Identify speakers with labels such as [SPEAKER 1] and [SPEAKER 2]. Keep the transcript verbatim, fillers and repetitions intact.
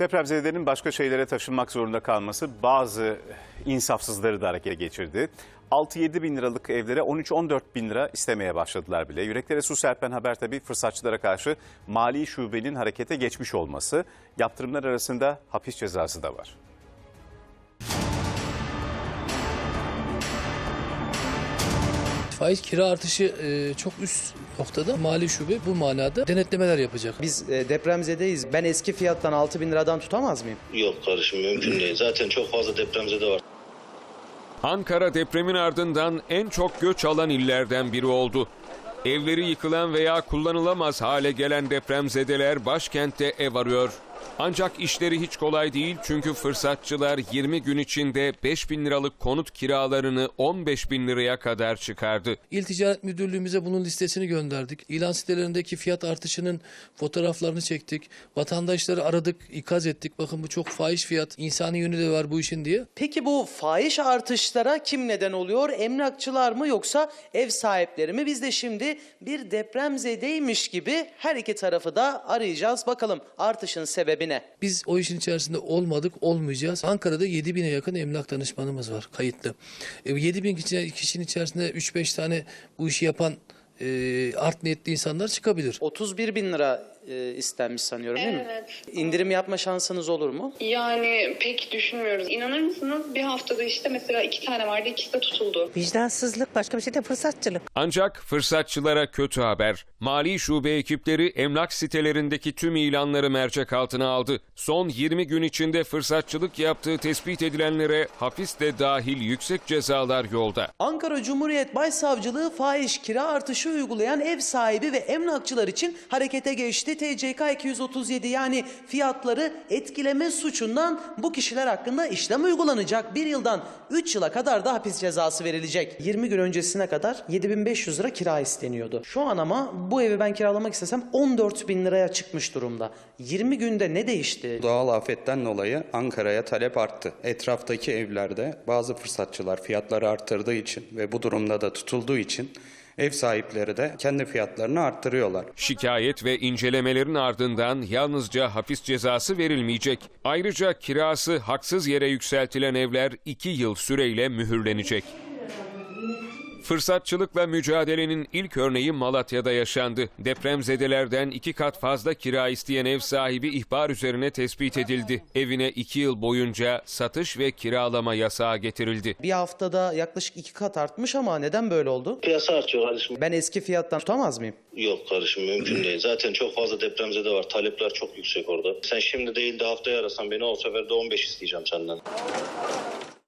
[SPEAKER 1] Depremzedelerin başka şehirlere taşınmak zorunda kalması bazı insafsızları da harekete geçirdi. altı yedi bin liralık evlere on üç on dört bin lira istemeye başladılar bile. Yüreklere su serpen haber tabii fırsatçılara karşı mali şubenin harekete geçmiş olması. Yaptırımlar arasında hapis cezası da var.
[SPEAKER 2] Faiz kira artışı e, çok üst noktada. Mali şube bu manada denetlemeler yapacak.
[SPEAKER 3] Biz e, depremzedeyiz. Ben eski fiyattan altı bin liradan tutamaz mıyım?
[SPEAKER 4] Yok kardeşim, mümkün değil. Zaten çok fazla depremzede var.
[SPEAKER 5] Ankara depremin ardından en çok göç alan illerden biri oldu. Evleri yıkılan veya kullanılamaz hale gelen depremzedeler başkentte ev arıyor. Ancak işleri hiç kolay değil çünkü fırsatçılar yirmi gün içinde beş bin liralık konut kiralarını on beş bin liraya kadar çıkardı.
[SPEAKER 2] İl Ticaret Müdürlüğümüze bunun listesini gönderdik. İlan sitelerindeki fiyat artışının fotoğraflarını çektik. Vatandaşları aradık, ikaz ettik. Bakın bu çok fahiş fiyat, insani yönü de var bu işin diye.
[SPEAKER 3] Peki bu fahiş artışlara kim neden oluyor? Emlakçılar mı yoksa ev sahipleri mi? Biz de şimdi bir depremzedeymiş gibi her iki tarafı da arayacağız. Bakalım artışın sebebi ne?
[SPEAKER 2] Biz o işin içerisinde olmadık, olmayacağız. Ankara'da yedi bine yakın emlak danışmanımız var kayıtlı. E, yedi bin kişinin içerisinde üç beş tane bu işi yapan e, art niyetli insanlar çıkabilir.
[SPEAKER 3] otuz bir bin lira e, istenmiş sanıyorum değil mi?
[SPEAKER 6] Evet.
[SPEAKER 3] İndirim yapma şansınız olur mu?
[SPEAKER 6] Yani pek düşünmüyoruz. İnanır mısınız? Bir haftada işte mesela iki tane vardı, ikisi de tutuldu.
[SPEAKER 7] Vicdansızlık, başka bir şey de fırsatçılık.
[SPEAKER 5] Ancak fırsatçılara kötü haber. Mali şube ekipleri emlak sitelerindeki tüm ilanları mercek altına aldı. Son yirmi gün içinde fırsatçılık yaptığı tespit edilenlere hapis de dahil yüksek cezalar yolda.
[SPEAKER 3] Ankara Cumhuriyet Başsavcılığı fahiş kira artışı uygulayan ev sahibi ve emlakçılar için harekete geçti. T C K iki yüz otuz yedi yani fiyatları etkileme suçundan bu kişiler hakkında işlem uygulanacak. Bir yıldan üç yıla kadar da hapis cezası verilecek. yirmi gün öncesine kadar yedi bin beş yüz lira kira isteniyordu. Şu an ama bu evi ben kiralamak istesem on dört bin liraya çıkmış durumda. yirmi günde ne değişti?
[SPEAKER 8] Doğal afetten dolayı Ankara'ya talep arttı. Etraftaki evlerde bazı fırsatçılar fiyatları arttırdığı için ve bu durumda da tutulduğu için ev sahipleri de kendi fiyatlarını arttırıyorlar.
[SPEAKER 5] Şikayet ve incelemelerin ardından yalnızca hapis cezası verilmeyecek. Ayrıca kirası haksız yere yükseltilen evler iki yıl süreyle mühürlenecek. Fırsatçılıkla mücadelenin ilk örneği Malatya'da yaşandı. Depremzedelerden iki kat fazla kira isteyen ev sahibi ihbar üzerine tespit edildi. Evine iki yıl boyunca satış ve kiralama yasağı getirildi.
[SPEAKER 3] Bir haftada yaklaşık iki kat artmış ama neden böyle oldu?
[SPEAKER 4] Piyasa artıyor kardeşim.
[SPEAKER 3] Ben eski fiyattan tutamaz mıyım?
[SPEAKER 4] Yok kardeşim, mümkün değil. Zaten çok fazla depremzede var. Talepler çok yüksek orada. Sen şimdi değil de haftaya arasan beni, o sefer de on beş isteyeceğim senden.